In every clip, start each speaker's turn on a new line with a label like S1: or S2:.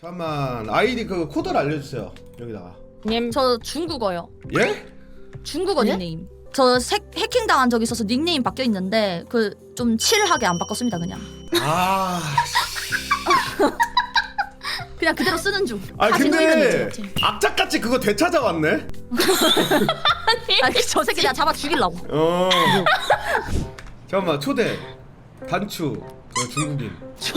S1: 잠깐만 아이디 그 코드를 알려주세요. 여기다가.
S2: 저 중국어요.
S1: 예?
S2: 중국어
S3: 예?
S2: 닉네임. 저 해킹 당한 적이 있어서 닉네임 바뀌어 있는데 그 좀 칠하게 안 바꿨습니다 그냥.
S1: 아.
S2: 그냥 그대로 쓰는 중.
S1: 아
S2: 사진
S1: 근데
S2: 있지.
S1: 악착같이 그거 되찾아왔네.
S2: 저 새끼 내가 잡아 죽이려고.
S1: 잠깐만 초대 단추 저 중국인.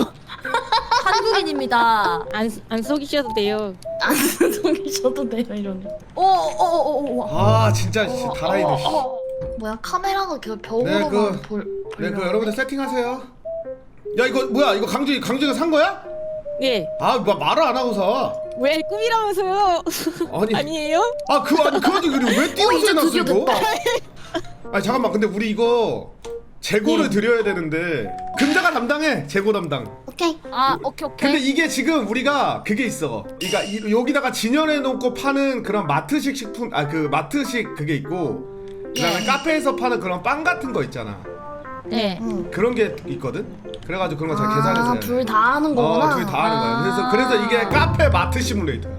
S2: 한국인입니다.
S4: 안 속이셔도 돼요.
S3: 안 속이셔도 돼요 이러네.
S2: 오오오오.
S1: 아 진짜 다라이들.
S3: 뭐야 카메라가 계속
S1: 네,
S3: 벽으로만
S1: 네, 그 여러분들 세팅하세요. 야 이거 뭐야 이거 강준이가 산 거야?
S4: 예.
S1: 아 말을 안 하고 사.
S4: 왜 꿈이라면서요?
S1: 아니.
S4: 아니에요?
S1: 아 그거 아니 그거 왜 띄워서
S3: 이제
S1: 해놨어
S3: 드디어
S1: 이거?
S3: 됐다.
S1: 아니 잠깐만 근데 우리 이거 재고를 드려야 되는데 금자가 담당해 재고 담당.
S3: 오케이.
S2: 아 오케이.
S1: 근데 이게 지금 우리가 그게 있어. 그러니까 여기다가 진열해 놓고 파는 그런 마트식 식품 그 마트식 그게 있고 그다음에 카페에서 파는 그런 빵 같은 거 있잖아.
S2: 네.
S1: 그런 게 있거든. 그래가지고 그런 거 잘 계산해서 해야 돼.
S3: 둘 다 하는 거구나.
S1: 둘이 다 하는 거야. 그래서 이게 카페 마트 시뮬레이터야.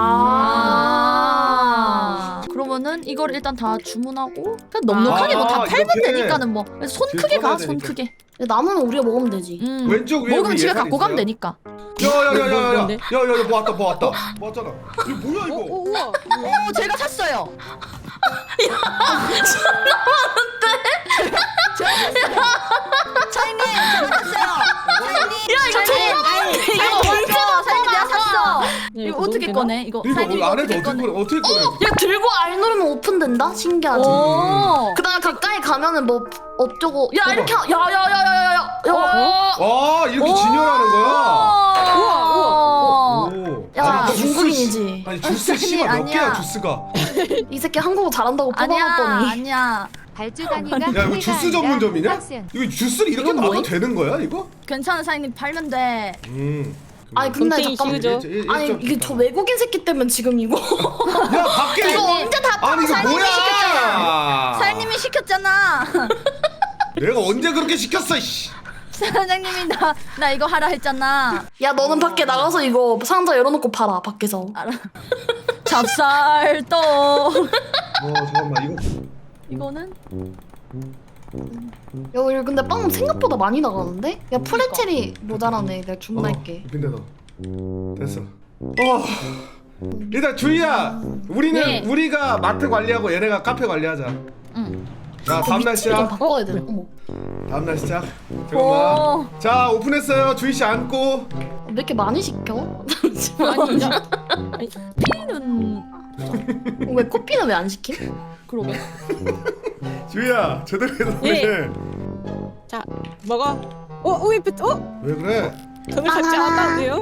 S2: 그러면은 이걸 일단 다 주문하고 그냥 넉넉하게 뭐 다 팔면
S1: 이렇게
S2: 되니까는 뭐 손
S1: 뒤에
S2: 크게 가
S1: 꺼내야
S2: 손
S1: 되니까.
S2: 크게.
S3: 남은 우리가 먹으면 되지.
S1: 왼쪽 위에
S2: 먹으면
S1: 우리
S2: 집에
S1: 예산
S2: 갖고 가면
S1: 있어요?
S2: 되니까.
S1: 야야야야야야
S4: 뭔데?
S1: 야야야 뭐 왔다 뭐 왔잖아. 이거 뭐야 이거?
S4: 우와.
S2: 오 제가 샀어요. 사장님 제가 샀어요. 사장님 내가 샀어. 이거 어떻게 꺼내? 이거
S1: 이거
S2: 사장님
S1: 안에서 어떻게 꺼내?
S3: 야 들고 R 누르면 오픈된다? 신기하지?
S2: 오.
S3: 그다음에 가까이 가면은 뭐 어쩌고 야 이렇게 야야야야야야
S1: 아 이렇게 진열하는 거야?
S2: 우와.
S1: 오.
S3: 야,
S1: 아니, 주스
S3: 중국인이지.
S1: 아니 주스 씨발 몇
S2: 아니야.
S1: 개야 주스가?
S3: 이 새끼 한국어 잘한다고
S2: 아니야
S3: 뽑아놨더니
S2: 아니야.
S5: 발주단위가
S1: 야 이거 주스 전문점이냐? 이거 주스를 이렇게
S3: 이건
S1: 놔도
S3: 뭐임?
S1: 되는 거야 이거?
S2: 괜찮은 사장님 팔면 돼.
S3: 아니 근데
S4: 곰탱이
S3: 잠깐만
S4: 씌우죠.
S3: 아니 이게 저 외국인 새끼 때문에 지금 이거
S1: 야 밖에
S3: 이거 언제 다
S1: 아니 이거
S3: 사장님이
S1: 뭐야?
S2: 사장님이 시켰잖아.
S1: 내가 언제 그렇게 시켰어 씨.
S2: 사장님이 나 이거 하라 했잖아.
S3: 야 너는 밖에 나가서 이거 상자 열어놓고 팔아 밖에서.
S2: 잡쌀떡.
S1: 잠깐만 이거
S2: 이거는
S3: 야 우리 근데 빵 생각보다 많이 나가는데? 야 프레첼이 모자라네. 내가 주문할게.
S1: 근데 너 됐어. 일단 주희야 우리는
S2: 네.
S1: 우리가 마트 관리하고 얘네가 카페 관리하자.
S2: 응.
S1: 자 다음날
S3: 좀
S1: 시작.
S3: 바꿔야 돼. 어머.
S1: 다음날 시작.
S2: 오.
S1: 잠깐만. 자 오픈했어요. 주희 씨 앉고.
S3: 왜 이렇게 많이 시켜?
S4: 아니,
S2: 피는
S3: 왜 커피는 왜 안 시킴?
S2: 그러게.
S1: 주희야 제대로 해서
S4: 예.
S1: 해.
S4: 자, 먹어. 왜
S1: 왜 그래?
S4: 돈을 같이 왔다고요?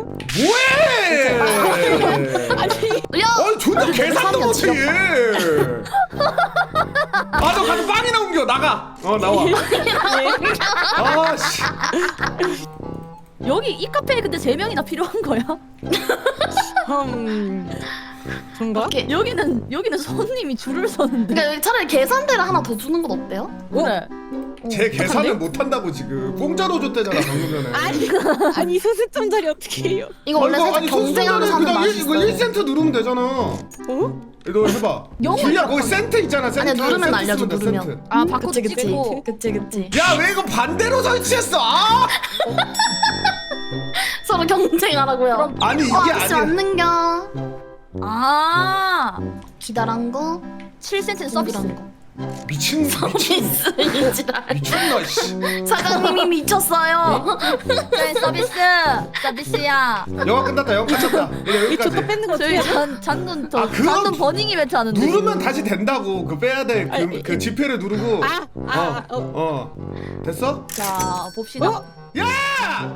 S1: 뭐해?
S3: 야!
S1: 아니 존나 계산도 못해 얘. 아너 가서 빵이나 옮겨 나가. 나와. 아 씨.
S2: 여기 이 카페에 근데 3명이나 필요한 거야?
S4: 뭔가?
S2: 여기는 손님이 줄을 서는데.
S3: 그러니까 차라리 계산대를 하나 더 주는 건 어때요?
S2: 그래.
S1: 제 계산을 못 한다고 지금 공짜로 줬대잖아 방금 전에.
S4: 아니 소수점 자리 어떻게 해요?
S3: 이거 원래 살짝 경쟁하면서 하는 맛이
S1: 이거
S3: 있어.
S1: 1센트 누르면 되잖아. 너 해봐. 주희야 거기 센트 있잖아. 센트.
S3: 아니야 누르면
S1: 센트
S3: 알려줘
S1: 쓰면 돼,
S3: 누르면.
S1: 센트.
S2: 아 바꿔
S3: 그치 그치
S2: 찍고.
S3: 그치.
S1: 야 왜 이거 반대로 설치했어? 아!
S3: 서로 경쟁하라고요.
S1: 아니 이게
S3: 아저씨
S1: 아니야.
S3: 왔는겨.
S2: 아
S3: 기다란 거
S2: 7cm 서비스.
S3: 서비스란 거.
S1: 미친
S3: 서비스 이지랄.
S1: 미쳤나 씨.
S3: 사장님이 미쳤어요.
S2: 네, 서비스야.
S1: 영화 끝났다. 영화 끝났다. 이제
S4: 이 초코
S1: 여기까지.
S4: 뺏는 거
S2: 저희
S4: 어떻게 해요?
S2: 잔눈
S1: 아, 그거
S2: 잔눈 버닝이 왜 하는데?
S1: 누르면 다시 된다고. 그 빼야 돼. 그 지폐를 누르고. 됐어?
S2: 자 봅시다.
S1: 야!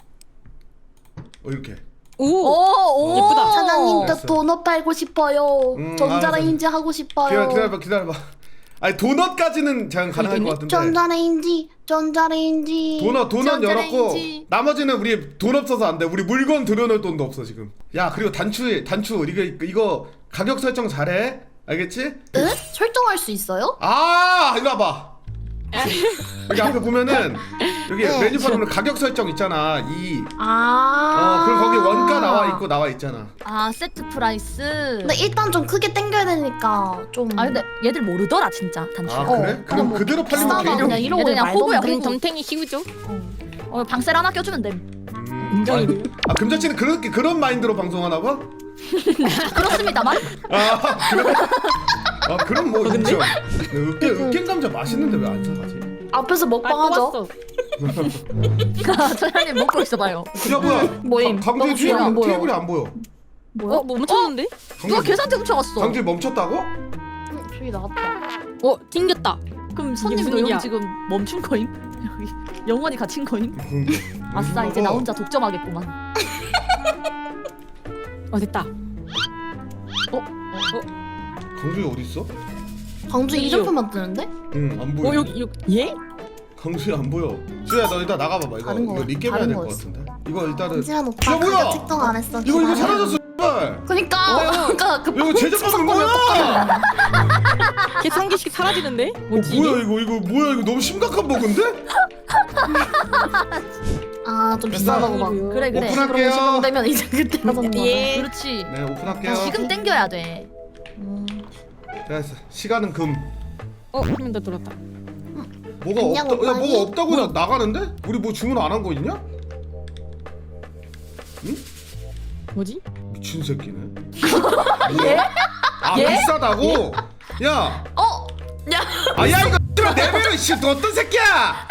S1: 이렇게.
S2: 오
S4: 예쁘다.
S3: 사장님 저
S1: 됐어.
S3: 도넛 팔고 싶어요. 전자레인지 하고
S1: 기다려,
S3: 싶어요.
S1: 기다려봐. 아니 도넛까지는 잘 가능할 것 같은데.
S3: 전자레인지.
S1: 도넛 열었고
S2: 전자레인지.
S1: 나머지는 우리 돈 없어서 안 돼. 우리 물건 들여놓을 돈도 없어 지금. 야 그리고 단추 이거 가격 설정 잘해. 알겠지?
S3: 네? 설정할 수 있어요?
S1: 아 이리 와봐. 여기 앞에 보면은 여기
S3: 네.
S1: 메뉴판 보면 가격 설정 있잖아. 그럼
S3: 아.
S1: 거기 원가 나와 있잖아.
S2: 아 세트 프라이스.
S3: 근데 일단 좀 크게 땡겨야 되니까 좀.
S2: 아 근데 얘들 모르더라 진짜 단추.
S1: 아 그래?
S3: 그냥
S1: 그럼
S3: 뭐
S1: 그대로 팔리면
S3: 비싸다
S1: 되죠.
S3: 그냥 이러고
S2: 얘들 그냥 호구야,
S3: 말던데.
S2: 호구.
S4: 덤탱이 키우죠.
S2: 방셀 하나 껴주면 돼.
S4: 인정이래요.
S1: 아 금자씨는 그런 마인드로 방송하나 봐?
S2: 그렇습니다만.
S1: 아 그래? 아 그럼 뭐
S4: 근데?
S1: 인정. 으깬 감자 맛있는데 왜 안 사가지?
S3: 앞에서 먹방하죠.
S2: 소연님 먹고 있어봐요.
S1: 야 뭐야?
S3: 모임.
S1: 강주의
S3: 너무 뒤에 안 보여.
S1: 테이블이 안 보여.
S2: 뭐야?
S4: 뭐 멈췄는데?
S2: 누가 계산대 훔쳐갔어.
S1: 강주의 멈췄다고?
S3: 저기 나갔다.
S4: 튕겼다.
S2: 그럼
S4: 이게
S2: 손님도
S4: 무슨 일이야?
S2: 형 지금 멈춘 거임? 여기 영원히 갇힌 거임? 아싸 이제 나 혼자 독점하겠구만.
S4: 됐다.
S1: 강주의 어디 있어?
S3: 광주
S4: 여기요.
S3: 이름표만 뜨는데?
S1: 응 안 보여.
S4: 여기 예?
S1: 강수야 안 보여. 수야 너 일단 나가봐봐. 이거
S3: 다른 거,
S1: 리겜 해야
S3: 다른
S1: 될 것
S3: 거였어.
S1: 같은데. 이거 일단은
S3: 강지한 오빠
S1: 야, 뭐야?
S3: 가격 책정 안 했어.
S1: 이거
S3: 기다려.
S1: 사라졌어. 씨발.
S3: 그니까 아까 그
S1: 이거 제작하는 뭐야?
S4: 계속 한 개씩 사라지는데? 뭐지?
S1: 뭐야 이거 뭐야 이거 너무 심각한 버그인데?
S3: 아좀 비싸다고 막.
S2: 그래 그래.
S1: 오픈할게요.
S3: 시간되면 이제 그때 하던 거.
S4: 예.
S2: 그렇지.
S1: 네 오픈할게요.
S2: 지금 땡겨야 돼.
S1: 됐어. 시간은 금.
S4: 한 명 더 들어왔다.
S1: 뭐가
S3: 안녕,
S1: 없다. 야
S3: 오빠니.
S1: 뭐가 없다고 나가는데? 우리 뭐 주문 안 한 거 있냐?
S4: 뭐지?
S1: 미친 새끼네.
S2: 예?
S1: 아
S2: 예?
S1: 비싸다고? 야.
S2: 야.
S1: 아야 이거 내배로 씨너 어떤 새끼야?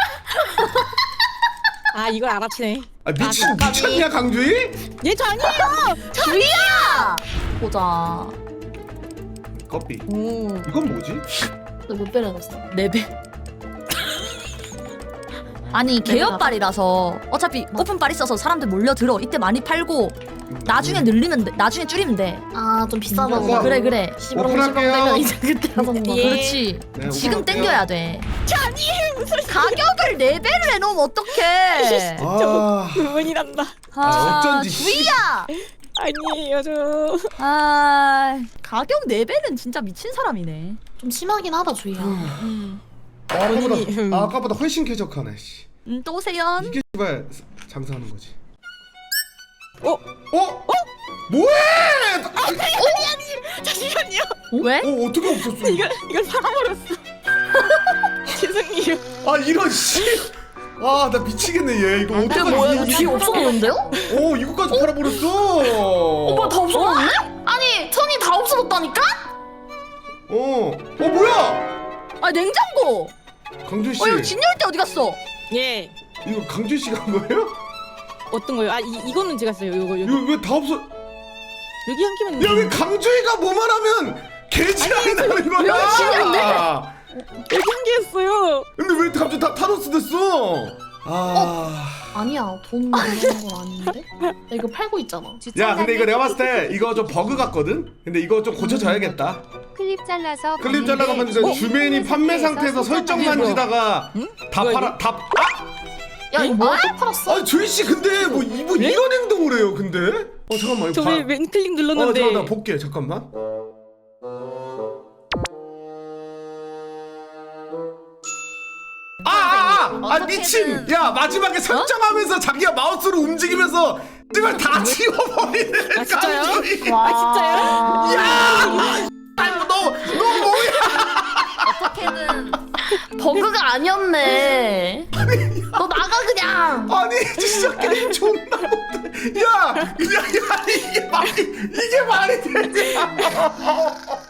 S4: 아 이걸 알아채네.
S1: 아 미쳤냐 강주희?
S4: 얘저 아니에요.
S2: 주희야. 보자.
S1: 커피.
S4: 오.
S1: 이건 뭐지?
S3: 너몇 배를 넣었어?
S2: 4배. 아니 개업발이라서 어차피 오픈발 있어서 사람들 몰려들어. 이때 많이 팔고 나중에 늘리면 돼. 나중에 줄이면 돼.
S3: 아좀 비싸다고.
S1: 이거.
S2: 그래 그래.
S1: 오픈할게요.
S3: 이제 그때 하던 거.
S4: 예.
S2: 그렇지.
S1: 네,
S2: 지금
S1: 오픈할게요.
S2: 땡겨야 돼. 가격을 4배를 해놓으면 어떡해.
S1: 아.
S4: 눈물이 난다.
S1: 어쩐지.
S2: 주희야.
S4: 아니에요 저.
S2: 가격 4배는 진짜 미친 사람이네.
S3: 좀 심하긴 하다 주희야.
S1: 아까보다 아까보다 훨씬 쾌적하네. 씨.
S2: 또 세연.
S1: 이게 씨발 장사하는 거지.
S4: 어?
S1: 뭐해?
S4: 잠시만요.
S2: 왜?
S1: 어떻게 없었어?
S4: 이걸 팔아버렸어. 죄송해요.
S1: 아 이런 씨. 아 나 미치겠네 얘 이거
S3: 근데
S1: 어떡하지?
S3: 뭐야 이거 뒤에 없어졌는데요?
S1: 이거까지 팔아버렸어.
S3: 오빠 다 없어졌네? 아니 천이 다 없어졌다니까?
S1: 뭐야?
S2: 아 냉장고.
S1: 강준 씨.
S2: 이거 진열대 어디 갔어?
S4: 예.
S1: 이거 강준 씨가 한 거예요?
S4: 어떤 거요? 이거는 제가 써요. 요거
S1: 이거 왜 다 없어?
S4: 여기 한 개만.
S1: 야 왜 강주희가 뭐만 하면 개지랄이 나는 거야?
S2: 여기 진열대.
S4: 여기 한 개였어요.
S1: 근데 왜 갑자기 다 타노스 됐어?
S3: 아니야 돈 내는 건 아닌데? 야, 이거 팔고 있잖아.
S1: 야 근데 이거 내가 봤을 때 이거 좀 버그 같거든? 근데 이거 좀 고쳐줘야겠다.
S5: 클립 잘라서
S1: 클립 잘라가면 이제 주메인이 판매 상태에서 설정 만지다가 다
S4: 뭐야,
S1: 팔아 다
S3: 야 이거 뭐야 또 팔았어?
S1: 아니 조이 씨 근데 뭐 이런 행동을 해요 근데? 잠깐만 이거
S4: 저왜 왼클릭 눌렀는데.
S1: 잠깐 나 볼게 잠깐만. 미친! 야 마지막에 설정하면서 자기가 마우스로 움직이면서 이걸 다 지워버리네.
S4: 아, 진짜요?
S1: 강주희.
S4: 아 진짜요?
S1: 야! 아이고 너 뭐야?
S2: 어떻게든
S3: 버그가 아니었네. 너 나가 그냥.
S1: 아니 진짜 게임 존나 못해. 야 이게 말이 되냐?